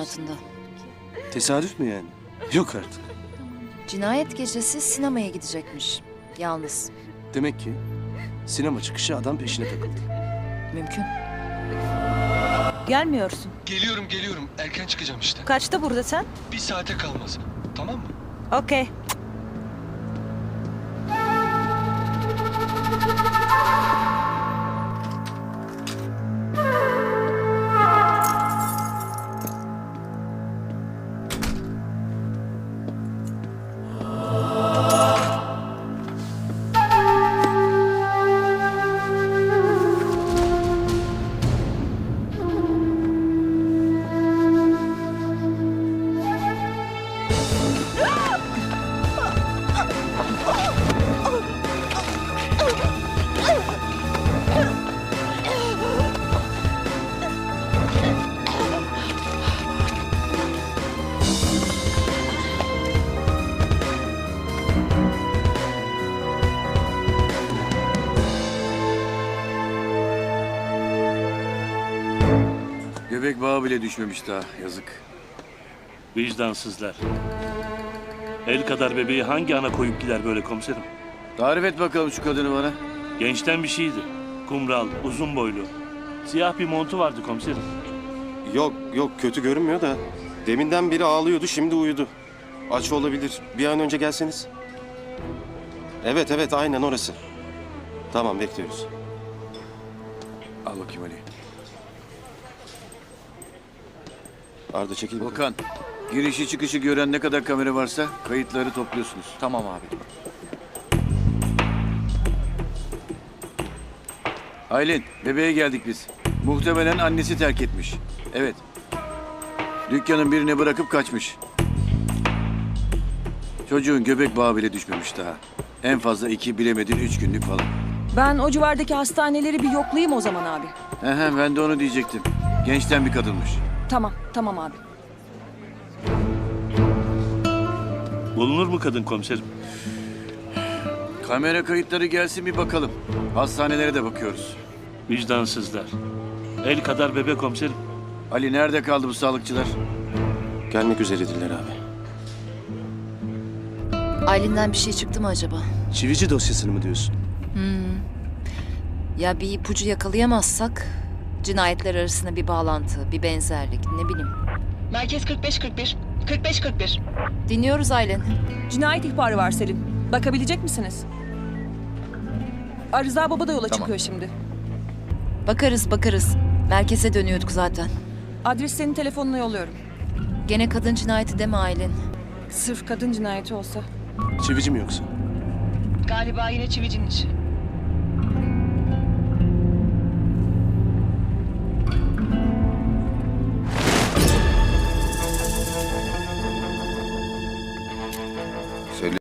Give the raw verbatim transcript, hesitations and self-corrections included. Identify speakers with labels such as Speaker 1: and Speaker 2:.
Speaker 1: hayatında.
Speaker 2: Tesadüf mü yani? Yok artık.
Speaker 1: Cinayet gecesi sinemaya gidecekmiş. Yalnız.
Speaker 2: Demek ki sinema çıkışı adam peşine takıldı.
Speaker 1: Mümkün.
Speaker 3: Gelmiyorsun.
Speaker 4: Geliyorum geliyorum. Erken çıkacağım işte.
Speaker 3: Kaçta buradasın?
Speaker 4: Bir saate kalmaz. Tamam mı?
Speaker 3: Okey.
Speaker 5: Göbek bağı bile düşmemiş daha, yazık.
Speaker 6: Vicdansızlar. El kadar bebeği hangi ana koyup gider böyle komiserim?
Speaker 5: Tarif et bakalım şu kadını bana.
Speaker 6: Gençten bir şeydi. Kumral, uzun boylu. Siyah bir montu vardı komiserim.
Speaker 2: Yok yok kötü görünmüyor da deminden beri ağlıyordu şimdi uyudu. Aç olabilir. Bir an önce gelseniz. Evet evet aynen orası. Tamam bekliyoruz.
Speaker 5: Al bakayım Ali.
Speaker 2: Arda çekil. bakalım.
Speaker 5: Volkan, girişi çıkışı gören ne kadar kamera varsa kayıtları topluyorsunuz.
Speaker 7: Tamam abi.
Speaker 5: Aylin, bebeğe geldik biz. Muhtemelen annesi terk etmiş. Evet. Dükkanın birine bırakıp kaçmış. Çocuğun göbek bağı bile düşmemiş daha. En fazla iki, bilemedin üç günlük falan.
Speaker 3: Ben o civardaki hastaneleri bir yoklayayım o zaman abi.
Speaker 5: He ben de onu diyecektim. Gençten bir kadınmış.
Speaker 3: Tamam, tamam abi.
Speaker 6: Bulunur mu kadın komiserim?
Speaker 5: Kamera kayıtları gelsin bir bakalım. Hastanelere de bakıyoruz.
Speaker 6: Vicdansızlar. El kadar bebek komiserim.
Speaker 5: Ali nerede kaldı bu sağlıkçılar?
Speaker 2: Gelmek üzeredirler abi.
Speaker 1: Aylin'den bir şey çıktı mı acaba?
Speaker 2: Çivici dosyasını mı diyorsun?
Speaker 1: Ya bir ipucu yakalayamazsak cinayetler arasında bir bağlantı, bir benzerlik, ne bileyim.
Speaker 8: Merkez kırk beş kırk bir. kırk beş kırk bir.
Speaker 1: Dinliyoruz Aylin.
Speaker 3: Cinayet ihbarı var Selin. Bakabilecek misiniz? Arıza Baba da yola çıkıyor şimdi.
Speaker 1: Bakarız bakarız. Merkeze dönüyorduk zaten.
Speaker 3: Adres senin telefonuna yolluyorum.
Speaker 1: Gene kadın cinayeti deme Aylin.
Speaker 3: Sırf kadın cinayeti olsa.
Speaker 2: Çivici mi yoksa?
Speaker 8: Galiba yine çivicinin işi.